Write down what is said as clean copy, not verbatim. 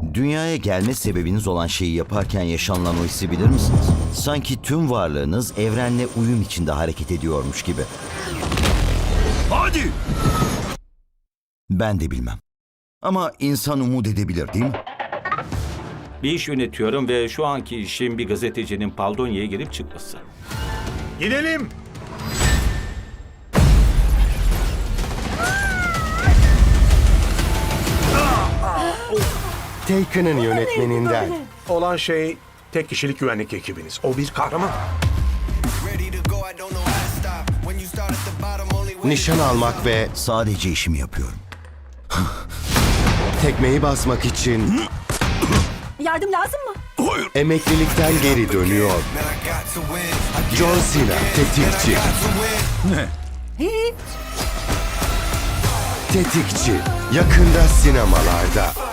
Dünyaya gelme sebebiniz olan şeyi yaparken yaşanılan o hissi bilir misiniz? Sanki tüm varlığınız evrenle uyum içinde hareket ediyormuş gibi. Hadi! Ben de bilmem. Ama insan umut edebilir değil mi? Bir iş yönetiyorum ve şu anki işim bir gazetecinin Paldonya'ya girip çıkması. Gidelim! Taken'ın yönetmeninden. Olan şey tek kişilik güvenlik ekibiniz. O bir kahraman. Nişan almak ve Sadece işimi yapıyorum. tekmeyi basmak için Yardım lazım mı? emeklilikten geri dönüyor. John Cena, tetikçi. Hiç. Tetikçi, yakında sinemalarda.